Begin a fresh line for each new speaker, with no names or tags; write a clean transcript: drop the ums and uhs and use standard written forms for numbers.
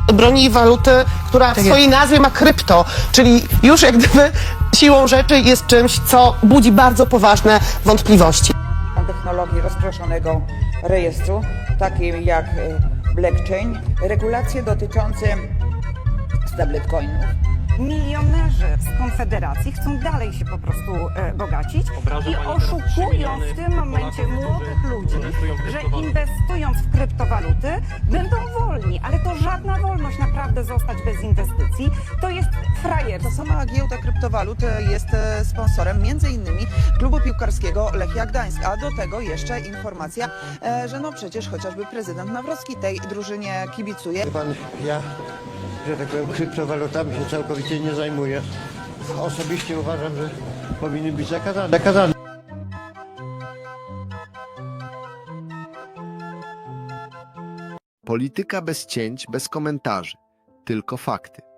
broni waluty, która w swojej nazwie ma krypto, czyli już jak gdyby siłą rzeczy jest czymś, co budzi bardzo poważne wątpliwości.
Technologii rozproszonego rejestru, takim jak blockchain, regulacje dotyczące stablecoinów.
Milionerzy z Konfederacji chcą dalej się po prostu bogacić i oszukują w tym momencie młodych ludzi, że inwestując w kryptowaluty będą wolni, ale to żadna wolność naprawdę zostać bez inwestycji, to jest frajerstwo.
Ta sama giełda kryptowalut jest sponsorem m.in. klubu piłkarskiego Lechia Gdańsk, a do tego jeszcze informacja, że no przecież chociażby prezydent Nawrocki tej drużynie kibicuje.
Pan, ja, że tak powiem, kryptowalutami się całkowicie nie zajmuję. Osobiście uważam, że powinny być zakazane.
Polityka bez cięć, bez komentarzy, tylko fakty.